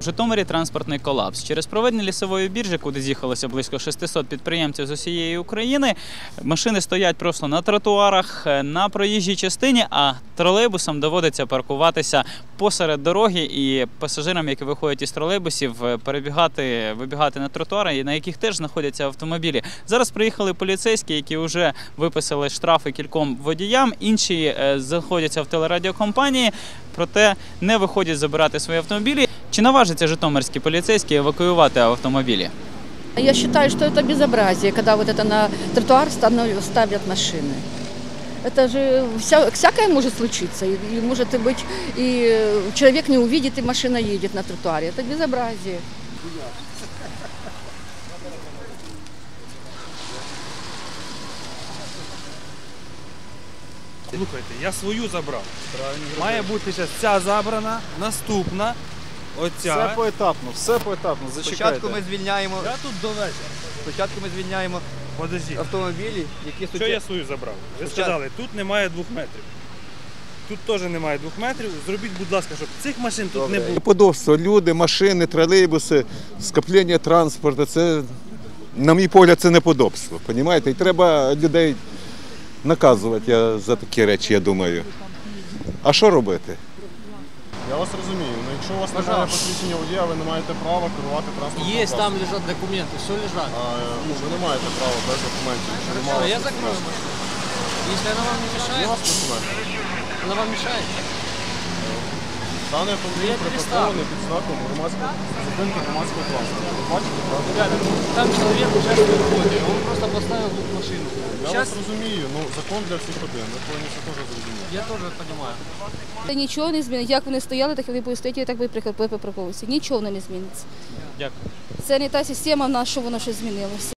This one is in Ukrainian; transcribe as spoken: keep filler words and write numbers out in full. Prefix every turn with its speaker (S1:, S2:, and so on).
S1: Житомирі транспортний колапс. Через проведення лісової біржі, куди з'їхалося близько шестисот підприємців з усієї України, машини стоять просто на тротуарах, на проїжджій частині, а тролейбусам доводиться паркуватися посеред дороги і пасажирам, які виходять із тролейбусів, перебігати, вибігати на тротуари, на яких теж знаходяться автомобілі. Зараз приїхали поліцейські, які вже виписали штрафи кільком водіям, інші знаходяться в телерадіокомпанії, проте не виходять забирати свої автомобілі. Чи наважаться житомирські поліцейські евакуювати автомобілі?
S2: Я считаю, что это безобразие, когда вот это на тротуар ставят машины. Это же вся, всякое может случиться. И, и может и быть, и человек не увидит, и машина едет на тротуаре. Это безобразие.
S3: Слухайте, я свою забрав. Має бути зараз ця забрана, наступна, оця.
S4: Все поетапно, все поетапно, зачекайте.
S5: Спочатку ми звільняємо,
S3: Я тут до вечора.
S5: спочатку ми звільняємо
S3: Подождіть.
S5: автомобілі, які
S3: Що я свою забрав? Ви
S5: Спочатку.
S3: сказали, тут немає двох метрів. Тут теж немає двох метрів. Зробіть, будь ласка, щоб цих машин тут не було.
S4: Неподобство, люди, машини, тролейбуси, скоплення транспорту, це, на мій погляд, це неподобство, розумієте? І треба людей наказувати я, за такі речі, я думаю. А що робити?
S6: Я вас розумію, але якщо у вас немає посвідчення водія, ви не маєте права керувати транспортним
S7: Есть,
S6: засобом.
S7: там лежат документы, все лежат.
S6: А, ну, ви не маєте права без документів. якщо немає
S7: Что, я
S6: вас
S7: закрою
S6: документів.
S7: машину. Если она вам не
S6: Є у
S7: мешает,
S6: вас документи?
S7: она вам мешает.
S6: Даний
S7: Я
S6: автомобіль
S7: перестав.
S6: припаркований під знаком громадського зупинки громадського транспорту. Ви бачите, правда?
S7: Ребята, ну, там человек участвует в ходе, он просто поставил тут машину.
S6: Я
S7: Сейчас
S6: вас розумію, ну закон для всіх один, ви повинні це теж зрозуміти.
S7: я тоже понимаю.
S2: Та нічого не зміниться. Як вони стояли, так вони будуть стояти, і так будуть припарковуватися. Нічого воно не зміниться.
S1: Дякую.
S2: Це не та система в нас, що воно щось змінилося.